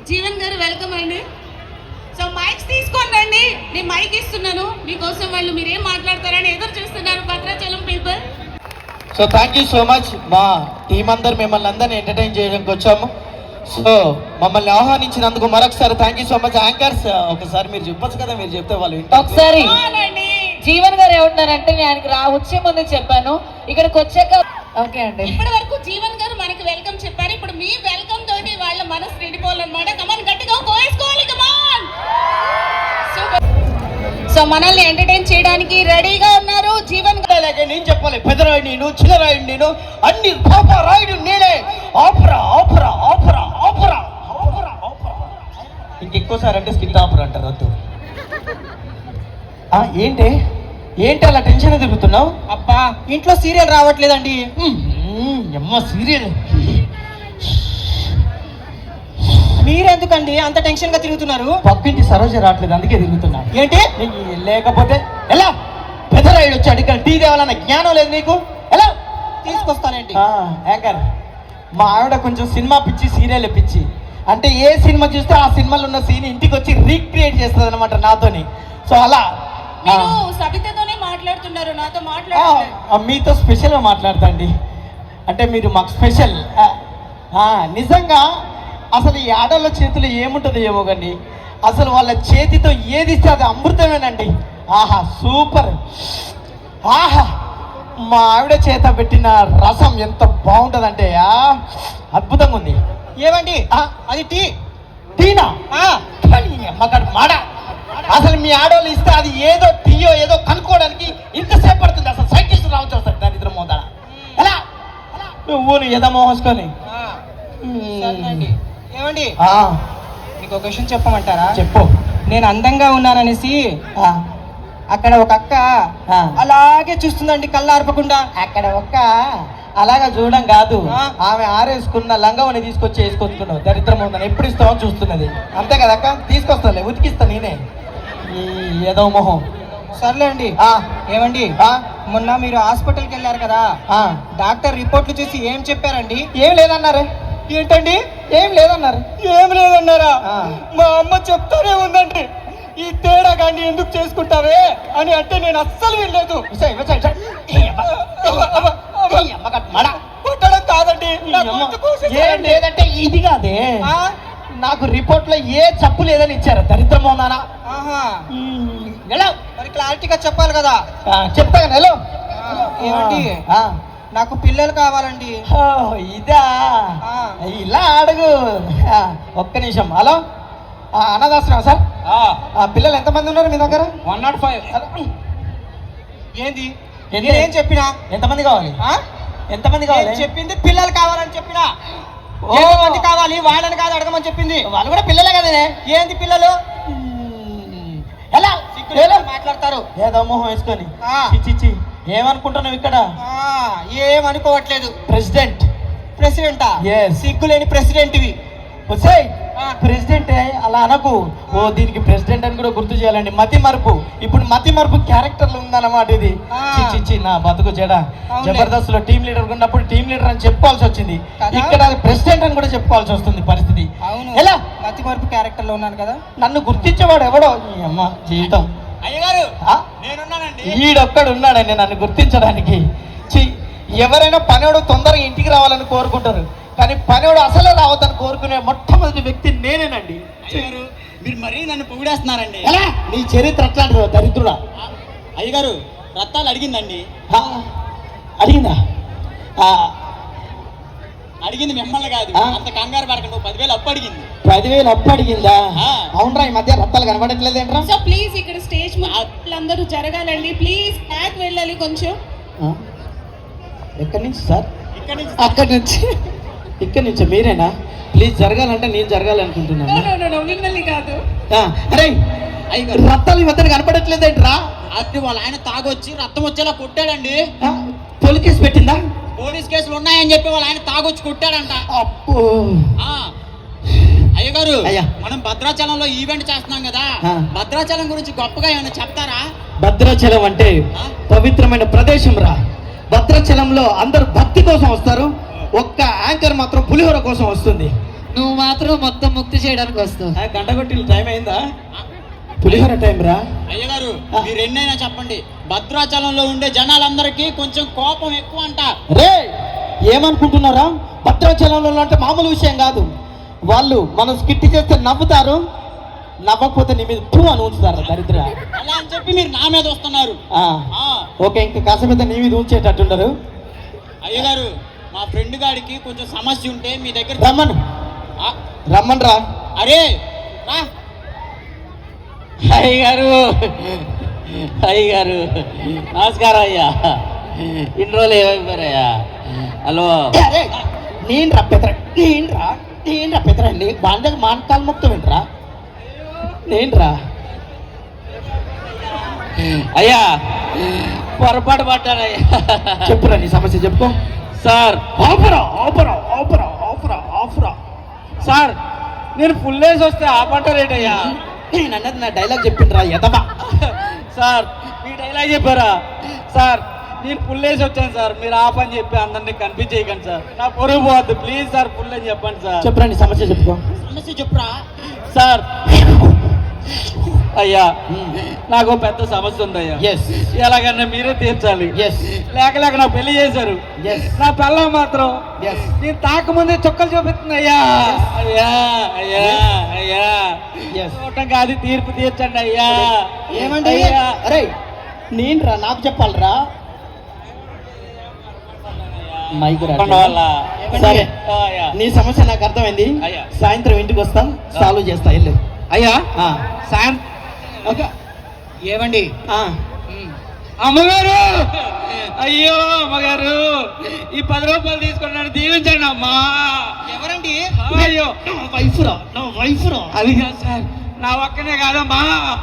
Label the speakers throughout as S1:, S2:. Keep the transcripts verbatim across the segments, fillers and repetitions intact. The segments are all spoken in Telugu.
S1: జీవన్ గారు వెల్కమ్ అండి. సో మైక్స్ తీసుకోండి అండి, నేను మైక్ ఇస్తున్నాను మీకోసం. వాళ్ళు మీరేం మాట్లాడతారని ఎదురు చూస్తున్నారు Bhadrachalam people.
S2: So thank you so much. మా టీం అందరు మిమ్మల్ని అందరినీ ఎంటర్టైన్ చేయడానికి వచ్చాము. సో మమ్మల్ని ఆహ్వానించినందుకు మరొకసారి thank you so much. Anchors ఒకసారి మీరు చెప్పొచ్చు కదా, మీరు చెప్తే వాళ్ళు
S3: ఒకసారి జీవన్ గారు ఏమంటున్నారంటే నేను ఆయనకి రా వచ్చే ముందు చెప్పాను, ఇక్కడికి వచ్చాక ఓకే అండి.
S1: ఇప్పటి వరకు జీవన్ గారు మనకి వెల్కమ్ చెప్పారు, ఇప్పుడు మీ వెల్కమ్ తోటి వాళ్ళ మనసు నిండిపోవాలన్నమాట. కమాన్ గట్టిగా కోసుకోవాలి, కమాన్. సో మనల్ని ఎంటర్టైన్ చేయడానికి రెడీగా ఉన్నారు జీవన్ గారు.
S2: నేను చెప్పాలి, పెదరాయుడు నేను, చిన్నరాయుడు నేను, అన్ని పాప రాయుడు నేనే. ఆపరా ఆపరా ఆపరా ఆపరా ఆపరా ఆపరా. ఇంకెక్కువసారి అంటే స్కిట్ ఆపరా అంటారు, వద్దు. ఏంటి ఏంటి అలా టెన్షన్ తిరుగుతున్నావు?
S4: అబ్బా ఇంట్లో సీరియల్ రావట్లేదండి.
S2: అమ్మ సీరియల్
S4: మీరెందుకండి అంత టెన్షన్ గా తిరుగుతున్నారు?
S2: పక్కింటి సరోజ రావట్లేదు, అందుకే తిరుగుతున్నా.
S4: ఏంటి
S2: లేకపోతే ఎలా? పెదరాయుడు వచ్చాడు, ఇక్కడ టీ తేవాలన్న జ్ఞానం లేదు నీకు? ఎలా
S4: తీసుకొస్తానండి.
S2: యాంకర్ మా ఆవిడ కొంచెం సినిమా పిచ్చి, సీరియల్ పిచ్చి. అంటే ఏ సినిమా చూస్తే ఆ సినిమాలో ఉన్న సీన్ ఇంటికి వచ్చి రీక్రియేట్ చేస్తుంది అనమాట నాతోని. సో అలా
S1: మీరు సవితతోనే మాట్లాడుతున్నారు, నాతో మాట్లాడుతున్నారు.
S2: మీతో స్పెషల్గా మాట్లాడతాండి. అంటే మీరు మాకు స్పెషల్. నిజంగా అసలు ఈ ఆడవాళ్ళ చేతిలో ఏముంటుంది ఏమో కానీ అసలు వాళ్ళ చేతితో ఏది ఇస్తే అది అమృతమేనండి. ఆహా సూపర్. ఆహా మా ఆవిడ చేత పెట్టిన రసం ఎంత బాగుంటుందంటే అద్భుతంగా ఉంది.
S4: ఏమండి అది టీ
S2: టీనా? మగాడు మాడ. అసలు మీ ఆడవాళ్ళు ఇస్తే అది ఏదో టీయో ఏదో కనుక్కోవడానికి ఇంతసేపు పడుతుంది. అసలు సైంటిస్ట్ రావచ్చు వస్తారు దారిద్రం మోదాడ. ఎలా నువ్వు ఏదో మోహసుకొని.
S4: ఏమండి మీకు ఒక విషయం చెప్పమంటారా?
S2: చెప్పు.
S4: నేను అందంగా ఉన్నాననేసి అక్కడ ఒక అక్క అలాగే చూస్తుందండి కళ్ళు ఆర్పకుండా.
S2: అక్కడ ఒక్క అలాగా చూడడం కాదు, ఆమె ఆరేసుకున్న లంగవని తీసుకొచ్చి వేసుకొచ్చుకున్నావు. దరిద్రం ఉందని ఎప్పుడు ఇస్తావో చూస్తున్నది. అంతే కదా అక్క? తీసుకొస్తాలే, ఉతికిస్తా నేనే. ఈ ఏదో మొహం.
S4: సర్లే అండి. ఏమండి మొన్న మీరు హాస్పిటల్కి వెళ్ళారు కదా, డాక్టర్ రిపోర్ట్లు చూసి ఏం చెప్పారండి?
S2: ఏం లేదన్నారు.
S4: ఏంటండి
S2: ఏం లేదన్నారు?
S4: ఏం లేదన్నారా? మా అమ్మ చెప్తానే ఉందండి, ఈ తేడా కానీ ఎందుకు చేసుకుంటావే అని. అంటే నేను అస్సలు వినలేదు. కొట్టడం కాదండి,
S2: లేదంటే ఇది కాదే. నాకు రిపోర్ట్ లో ఏ చప్పు లేదని ఇచ్చారు. దరిద్రం ఉన్నానా?
S4: మరి క్లారిటీగా చెప్పాలి కదా.
S2: చెప్తా కదా. హలో
S4: ఏమండి నాకు పిల్లలు కావాలండి.
S2: ఇదా? ఇలా అడుగు. ఒక్క నిమిషం. హలో అన్నదాశ్రమం సార్, పిల్లలు ఎంతమంది ఉన్నారు మీ దగ్గర?
S4: One nought five. ఏంది నేనేం చెప్పినా?
S2: ఎంతమంది కావాలి? ఎంతమంది కావాలి?
S4: చెప్పింది పిల్లలు కావాలని చెప్పినా. మంది కావాలి వాళ్ళని కాదు అడగమని చెప్పింది.
S2: వాళ్ళు కూడా పిల్లలే కదనే.
S4: ఏంది పిల్లలు?
S2: ఎలా
S4: మాట్లాడతారు
S2: ఏదో మొహం వేసుకొని. చిచ్చి ఏమనుకుంటున్నావు ఇక్కడ?
S4: ఏమనుకోవట్లేదు.
S2: ప్రెసిడెంట్.
S4: ప్రెసిడెంటా? సిగ్గులేని ప్రెసిడెంట్వి.
S2: ప్రెసిడెంట్ అలా అనకు. ఓ దీనికి ప్రెసిడెంట్ అని కూడా గుర్తు చేయాలండి. మతి మరుపు. ఇప్పుడు మతి మరుపు క్యారెక్టర్ లో ఉందన్నమాట ఇది. చిచ్చి నా బతుకు చెడ. జబర్దస్త్ లో టీమ్ లీడర్ ఉన్నప్పుడు టీమ్ లీడర్ అని చెప్పుకోవాల్సి వచ్చింది, ఇక్కడ ప్రెసిడెంట్ అని కూడా చెప్పుకోవాల్సి వస్తుంది పరిస్థితి.
S4: ఎలా మతి మరుపు క్యారెక్టర్ లో ఉన్నాను కదా.
S2: నన్ను గుర్తించేవాడు ఎవడో అమ్మ జీవితం.
S4: అయ్యగారు
S2: ఈడొక్కడు ఉన్నాడండి నన్ను గుర్తించడానికి. ఎవరైనా పనివాడు తొందరగా ఇంటికి రావాలని కోరుకుంటారు, కానీ పనివాడు అసలు రావద్దని కోరుకునే మొట్టమొదటి వ్యక్తి నేనేనండి.
S4: మీరు మరీ నన్ను పొగిడేస్తున్నారండి.
S2: ఎలా? నీ చరిత్ర అట్లాంటి దరిద్రుడా.
S4: అయ్యగారు రత్తాలు అడిగిందండి.
S2: అడిగిందా?
S4: అడిగింది మిమ్మల్ని కాదు, అంత కంగారు పడకండి. నువ్వు పదివేలు అప్పు అడిగింది.
S2: పదివేలు అప్పు అడిగిందా? అవునరా, ఈ మధ్య రత్తాలు కనబడట్లేదేంట్రా?
S1: సో ప్లీజ్ ఇక్కడ స్టేజ్ అందరూ జరగాలండి. ప్లీజ్ బ్యాక్ వెళ్ళాలి కొంచెం.
S2: ఎక్కడి నుంచి సార్?
S4: ఇక్కడ నుంచి.
S2: అక్కడి నుంచి? ఇక్కడ నుంచి మీరేనా? ప్లీజ్ జరగాలంటే నేను జరగాలనుకుంటున్నాను.
S1: మిమ్మల్ని కాదు.
S2: అరే రత్తాలు ఈ మధ్య కనపడట్లేదేంట్రా?
S4: అది వాళ్ళ ఆయన తాగొచ్చి రక్తం వచ్చేలా కొట్టాడండి.
S2: పోలీస్ కేసు పెట్టిందా?
S4: పోలీస్ కేసులు ఉన్నాయని చెప్పి వాళ్ళ ఆయన తాగొచ్చి కొట్టాడంట.
S2: అప్పు
S4: అయ్యగారు మనం భద్రాచలంలో ఈవెంట్ చేస్తున్నాం కదా, భద్రాచలం గురించి గొప్పగా ఏమైనా చెప్తారా?
S2: భద్రాచలం అంటే పవిత్రమైన ప్రదేశం రా. భద్రాచలంలో అందరూ భక్తి కోసం వస్తారు, ఒక్క యాంకర్ మాత్రం పులిహోర కోసం వస్తుంది.
S3: నువ్వు మాత్రం మొత్తం ముక్తి చేయడానికి వస్తావు.
S2: ఆ, గంట కొట్టి టైం అయిందా? పులిహోర టైం రా.
S5: అయ్యగారు మీరు ఎన్నైనా చెప్పండి, భద్రాచలంలో ఉండే జనాలందరికీ కొంచెం కోపం ఎక్కువ అంట.
S2: రే ఏమనుకుంటున్నారా? భద్రాచలంలో అంటే మామూలు విషయం కాదు. వాళ్ళు మనం స్కిట్ చేస్తే నవ్వుతారు, నవ్వకపోతే నీ మీద టూ అని ఉంచుతారు దరిద్ర.
S5: అలా అని చెప్పి మీరు నా మీద వస్తున్నారు.
S2: ఆ,
S5: ఆ,
S2: ఓకే, ఇంకా కాసేపు నీ మీద ఉంచేటట్టుండరు.
S5: అయ్యగారు మా ఫ్రెండ్ గాడికి కొంచెం సమస్య ఉంటే మీ దగ్గర
S2: రమ్మను
S5: ఆ,
S2: రమ్మను రా.
S5: అరే రా.
S6: అయ్య గారు అయ్య గారు నమస్కారం అయ్యా. ఇన్ని రోజులు ఏమైపోయారయ్యా? హలో
S2: అరే నేను రా పెద్ద నేను రా నేను రా పెద్ద నీ బాంధ మానకాలు మొత్తం ఏంట్రా? నేను రా.
S6: అయ్యా పొరపాటు పడ్డానయ్యా.
S2: చెప్పురా నీ సమస్య చెప్పుకో.
S6: సార్
S2: ఆపురా ఆపురా ఆపురా ఆపురా ఆపురా.
S6: సార్ నేను ఫుల్ వేసి వస్తే ఆపంటారేటయ్యా?
S2: నేను అన్నది నా డైలాగ్ చెప్పిండ్రా ఎదబా.
S6: సార్ మీ డైలాగ్ చెప్పారా? సార్ నేను ఫుల్ వేసి వచ్చాను సార్, మీరు ఆపని చెప్పి అందరినీ కనిపించేయకండి సార్, నా పొరుగు పోవద్దు ప్లీజ్ సార్, ఫుల్ అని చెప్పండి సార్.
S2: చెప్పురా నీ సమస్య చెప్పుకో.
S5: సమస్య చెప్పురా.
S6: సార్ అయ్యా నాకు పెద్ద సమస్య ఉందయ్యా.
S2: ఎస్
S6: ఎలాగన్నా మీరే తీర్చాలి.
S2: ఎస్
S6: లేక లేక నా పెళ్లి చేశారు.
S2: Yes.
S6: నా పిల్లం మాత్రం
S2: Yes.
S6: నేను తాకముందే చుక్కలు చూపిస్తుంది అయ్యా. అయ్యా అయ్యా అయ్యా
S2: Yes.
S6: చూడటం కాదు, తీర్పు తీర్చండి అయ్యా.
S2: ఏమండి?
S6: అయ్యా.
S2: అరే నేను రా, నాకు చెప్పాలరా. మైక్ రా.
S6: చెప్పండి వాళ్ళ.
S2: సరే
S6: ఆ, అయ్యా.
S2: నీ సమస్య నాకు అర్థమైంది.
S6: అయ్యా.
S2: సాయంత్రం ఇంటికి వస్తా, సాల్వ్ చేస్తా. వెళ్ళు.
S6: అయ్యా
S2: ఆ,
S6: సాయం
S2: ఓకే.
S6: ఏమండి
S2: ఆ,
S6: అమ్మగారు, అయ్యో అమ్మగారు, ఈ పది రూపాయలు తీసుకున్నాను, దీవించండి అమ్మా.
S5: ఎవరండి?
S6: అయ్యో
S2: నా వైఫ్ రా, నా వైఫ్ రా.
S6: అది కాదు సార్, నా ఒక్కనే కాదమ్మా.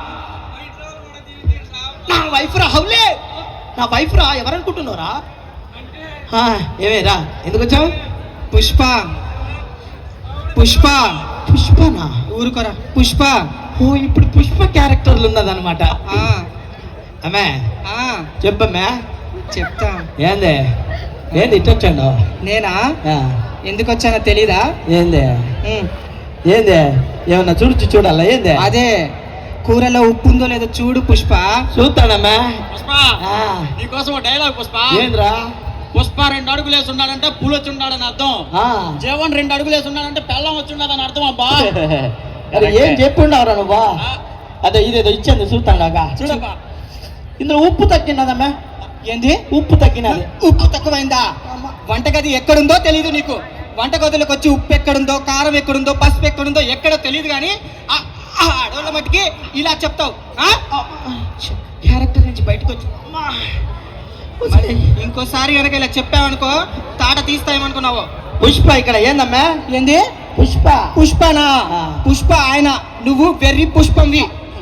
S2: నా వైఫ్ రా. హౌలే నా వైఫ్ రా. ఎవరనుకుంటున్నారా? ఏమే రా, ఎందుకు వచ్చావు?
S4: పుష్ప పుష్ప
S2: పుష్పనా?
S4: ఊరుకోరా పుష్ప.
S2: ఓ ఇప్పుడు పుష్ప క్యారెక్టర్లు ఉన్నదన్నమాట.
S4: ఆ,
S2: అమ్మే
S4: ఆ,
S2: చెప్పమ్మా.
S4: చెప్తా.
S2: ఏంది ఏంది ఇట్టొచ్చాను?
S4: నేనా ఎందుకు వచ్చానో తెలీదా?
S2: ఏంది
S4: ఉమ్,
S2: ఏంది ఏమన్నా చూడు చూడాలా? ఏంది
S4: అదే కూరలో ఉప్పు ఉందో లేదో చూడు పుష్ప.
S2: చూస్తానమ్మా.
S5: పుష్ప
S2: ఆ,
S5: నీకోసం ఒక డైలాగ్ పుష్ప.
S2: ఏంద్రా?
S5: పుష్ప రెండు అడుగులు వేసి ఉన్నాడంటే పూలు వచ్చి ఉన్నాడని అర్థం.
S2: ఆ,
S5: జీవన్ రెండు అడుగులు వేసి ఉన్నాడంటే పెళ్ళం వచ్చి ఉన్నదని అర్థం అబ్బా.
S2: అరే ఏం చెప్పుండవరా నువ్వా? అదే ఇదేదో ఇచ్చింది చూస్తాడాగా.
S5: చూడబ్బా.
S2: ఇందులో ఉప్పు తగ్గినదమ్మా.
S4: ఏంది?
S2: ఉప్పు తగ్గినది.
S4: ఉప్పు తక్కువైందా? వంటగది ఎక్కడుందో తెలీదు నీకు. వంటగదిలోకి వచ్చి ఉప్పు ఎక్కడుందో, కారం ఎక్కడుందో, పసుపు ఎక్కడుందో ఎక్కడో తెలియదు కానీ ఆ ఆ అడవుల మట్టికి ఇలా చెప్తావు. ఆ? క్యారెక్టర్ నుంచి బయటకు వచ్చి అమ్మా. మరి ఇంకోసారి కనుక ఇలా చెప్పావనుకో తాట తీస్తాయేమనుకున్నావు.
S2: పుష్ప ఇక్కడ ఏందమ్మా?
S4: ఏంది?
S2: పుష్ప.
S4: పుష్పనా?
S2: ఆ.
S4: పుష్ప ఆయన, నువ్వు వెర్రి పుష్పంవి.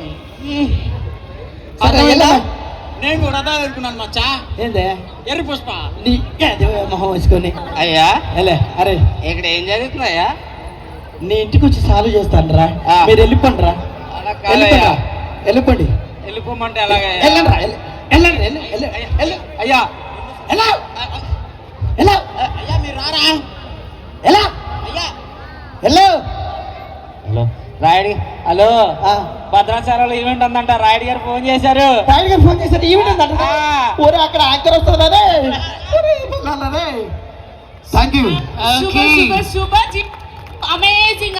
S2: సరే,
S4: అర్థమైందా?
S2: ఎలా?
S5: నేను కూడా అదే అనుకున్నాను మచ్చా.
S2: ఏంది
S5: ఎర్రి పుష్ప.
S2: నీ ఏదో మొహం వేసుకొని.
S6: అయ్యా
S2: ఎలే అరే
S6: ఇక్కడ ఏం జరుగుతుందయ్యా?
S2: నీ ఇంటికి వచ్చి సాల్వ్ చేస్తాను రా.
S6: ఆ.
S2: మీరు వెళ్ళిపోండి రా.
S6: అలా
S2: వెళ్ళిపోండి
S6: కాదయ్యా.
S2: రా. వెళ్ళిపోండి.
S6: వెళ్ళిపోమంటే ఎలాగయ్యా?
S2: వెళ్ళండి రా. వెళ్ళ- వెళ్ళండి వెళ్ళు, వెళ్ళు, వెళ్ళు.
S6: అయ్యా
S2: ఎలా ఎలా
S5: అయ్యా మీరు రారా?
S2: ఎలా
S5: అయ్యా
S2: వెళ్ళు.
S6: హలో రాయుడు, హలో
S2: ఆ,
S6: భద్రాచలంలో ఈవెంట్ ఉందంట, రాయుడు గారు ఫోన్ చేశారు.
S2: రాయుడు గారు ఫోన్ చేశారు. ఈవెంట్ ఉందంట.
S6: ఆ.
S2: ఊరే అక్కడ యాంకర్ వస్తుంది రే. Thank you.
S1: Super super super amazing.